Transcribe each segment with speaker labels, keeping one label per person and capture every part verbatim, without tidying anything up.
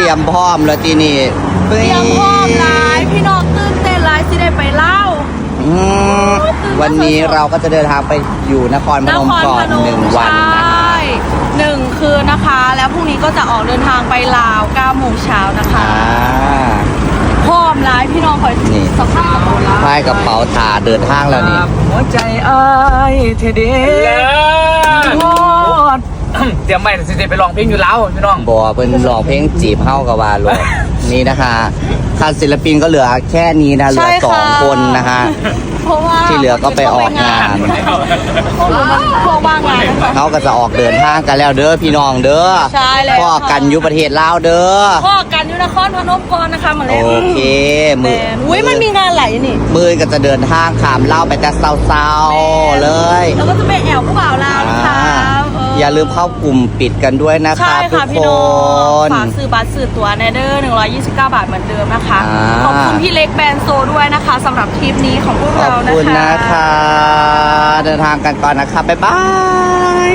Speaker 1: รียมพร้อมแล้วทีนี้
Speaker 2: เตรียมพร้อมหลายพี่น้องตื่นเต้นหลายสิได้ไปเล่า
Speaker 1: วันนี้เราก็จะเดินทางไปอยู่นครพนมก่อนหนึ่งวันนะคะ
Speaker 2: หนึ่งคืนนะคะแล้วพรุ่งนี้ก็จะออกเดินทางไปลาวเก้าโมงเช้านะคะพร้อมหลายพี่น้องคอยนี่สภาพ
Speaker 1: พายกระเป๋าถาเดินทางแล้วนี่
Speaker 3: หัวใจอ้ายเทเดโอ้เตรียมไปสิไปลองเพลงอยู่แล้วพี่น้อง
Speaker 1: บอกเป็นร้องเพลงจีบเข้ากับวาโลนี่นะคะค่าศิลปินก็เหลือแค่นี้นะเหลือสองคนนะคะที่เหลือก็ไปออกงาน
Speaker 2: พวกว่างงาน
Speaker 1: เขาก็จะออกเดินทางกันแล้วเด้อพี่น้องเด้อ
Speaker 2: ใช่เลย
Speaker 1: พ่อกันอยู่ประเทศลาวเด้อ
Speaker 2: พ่อกันอยู่นครพนมก่อนนะคะมาเลย
Speaker 1: โอเค
Speaker 2: มืออุ้ยมันมีงานไหลนี่
Speaker 1: มือก็จะเดินทางขามเล่าไปแต่เศร้าๆเลย
Speaker 2: แล้วก็จะไปแอวผู้บ่าวลาวนะคะ
Speaker 1: อย่าลืมเข้ากลุ่มปิดกันด้วยนะคะทุกคน
Speaker 2: ฝากซื้อบัตรซื้อตั๋วในเด้อหนึ่งร้อยยี่สิบเก้าบาทเหมือนเดิมนะคะขอบคุณพี่เล็กแบรนด์โซด้วยนะคะสำหรับทริปนี้ของพวกเรานะคะขอบคุณ
Speaker 1: นะคะเดินทางกันก่อนนะคะบ๊ายบาย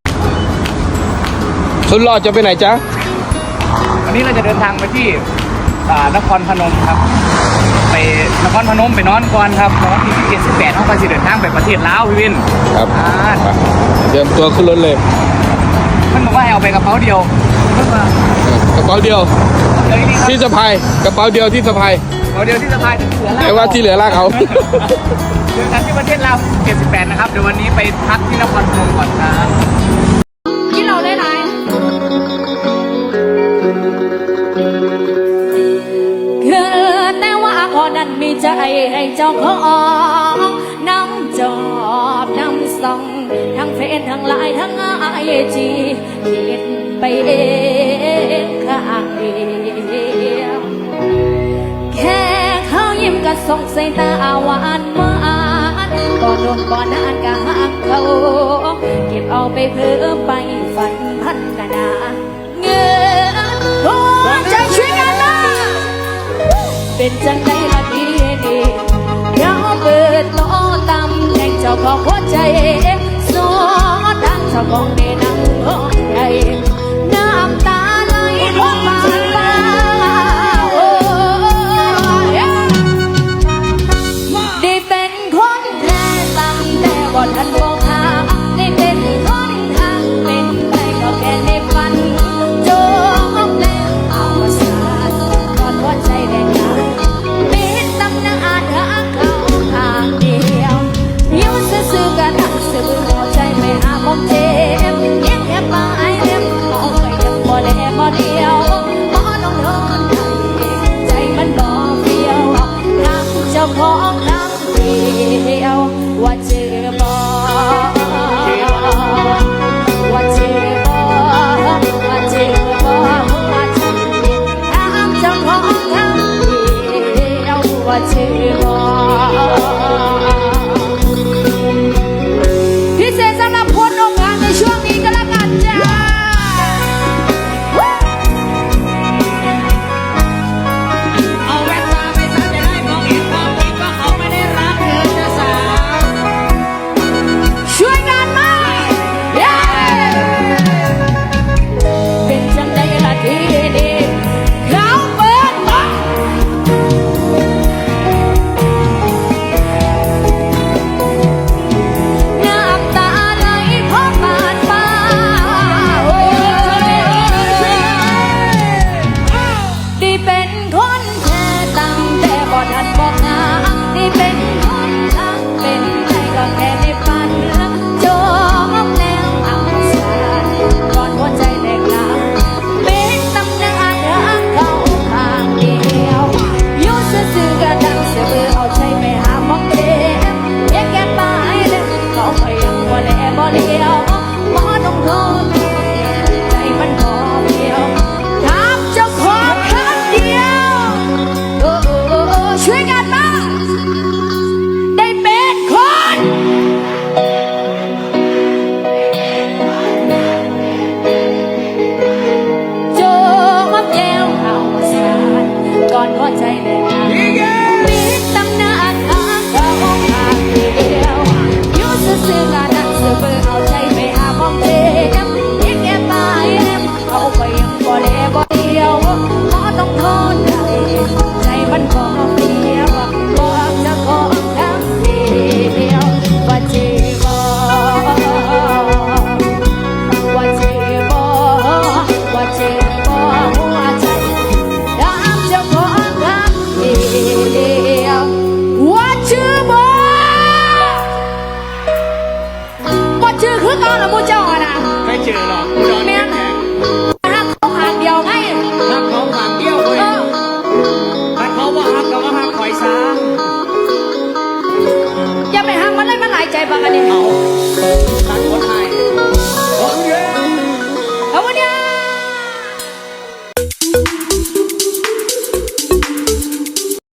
Speaker 4: สุดหล่อจะไปไหนจ๊ะ
Speaker 3: วันนี้เราจะเดินทางไปที่นครพนมครับไปนครพนมไปนอนก่อนครับนอนที่เจ็ดสิบแปดห้องไปสิเดินทางไปประเทศลาวพี่วิน
Speaker 4: ครับเตรียมตัวขึ้นรถเลย
Speaker 3: มันบอกว่าให้เอาไปกระเป๋าเดียว
Speaker 4: กระเป๋าเดียวที่สะพายกระเป๋าเดียวที่สะพาย
Speaker 3: กระเป๋าเดียวที่สะพาย
Speaker 4: แต่ว่าที่เหลือลากเขา
Speaker 3: เดินทางที่ประเทศลาวเจ็ดสิบแปดนะครับเดี๋ยววันนี้ไปพักที่นครพนมก่อนครับ
Speaker 2: ที่เราได้ไหนคือแต่ว่าขอนั้นมีใจให้เจ้าของน้ำจอบน้ำส่องทั้งเฟซทั้งไลน์ทั้งไอจีคิดไปเองข้างเดียวแค่เขายิ้มก็ส่งสายตาหวานหวานบ่โดนบ่นานก็หักเขาเก็บเอาไปเพิ่มไปฝันพันกนาเงินหัวใจช่วยกันนะเป็นจังได้ละดีดีเดี๋ยวเปิดโลตำแหน่งเจ้าของหัวใจสอดทางเจ้าของในนังหัวใจน้ำตาไหลพวกบานตาโอ้ได้เป็นคนแท้ตั้งแต่บ่ทันบอกหาได้เป็นคนทางเป็นไปก็แค่ในฝันจบแล้วเอาสาตอนหัวใจแดงดำมีตำนานหาเขาทางเดียวยิ้มซื่อๆกันทั้งซื่อหัวใจไม่หาของเจ็บายใจบางอันนี้เมา